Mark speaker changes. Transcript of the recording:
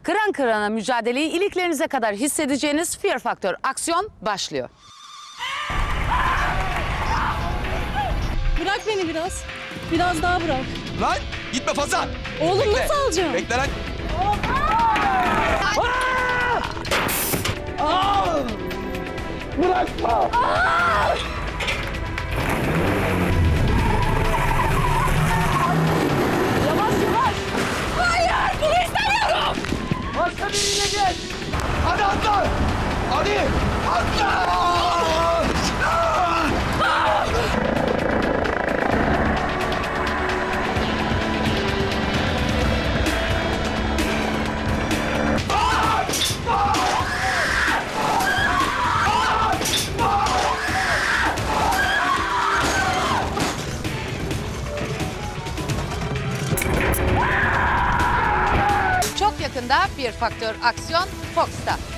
Speaker 1: Kıran kırana mücadeleyi iliklerinize kadar hissedeceğiniz Fear Factor aksiyon başlıyor.
Speaker 2: Bırak beni biraz. Biraz daha bırak.
Speaker 3: Lan gitme fazla.
Speaker 2: Oğlum
Speaker 3: Bekle.
Speaker 2: nasıl alacağım?
Speaker 3: Bekle lan. Başka biriyle gel. Hadi atla. Hadi. Atla.
Speaker 1: Çok yakında Fear Factor aksiyon Fox'ta.